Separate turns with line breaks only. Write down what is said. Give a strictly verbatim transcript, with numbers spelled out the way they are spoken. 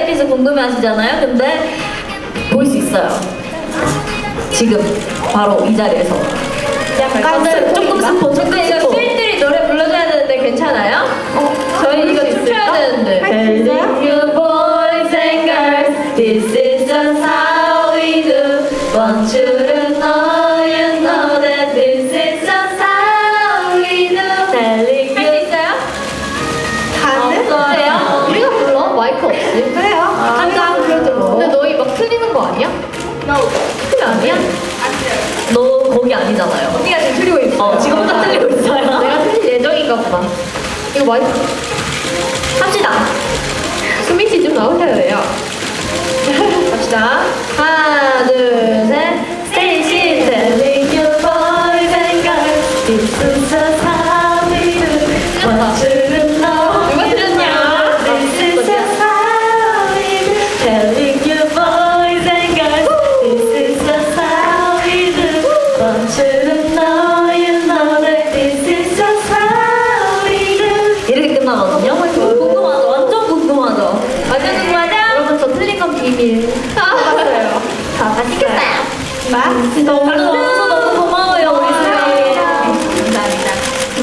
대해서 궁금해하시잖아요. 근데 볼 수 있어요. 지금 바로 이 자리에서.
약간
근데 조금 스포, 조금
근데 이거
스포.
스윗들이 노래 불러줘야 되는데 괜찮아요?
어,
저희 이거 춤춰야 되는데.
Telling you boys and girls, this is just how we do. Want you to know, you know that this is just how we do. Telling
할 수
you.
있어요?
가는?
없어요?
우리가 불러? 마이크 없이?
그래요. 한장 그래도
근데 너희 막 틀리는 거 아니야? 틀리 아니야?
너 거기 아니잖아요.
언니가 지금 틀리고 있어.
어, 지금 딱 틀리고 있어요.
내가 틀릴 예정인가 보다. 이거 마이크
합시다.
수민 씨 좀 나오셔야 갑시다. 하나, 둘, 셋.
Stacy telling you boys and girls, this is just how we do. Want you to know,
누가 틀렸냐?
this is just how we do. Telling you boys and girls, this is just how we do. Want you to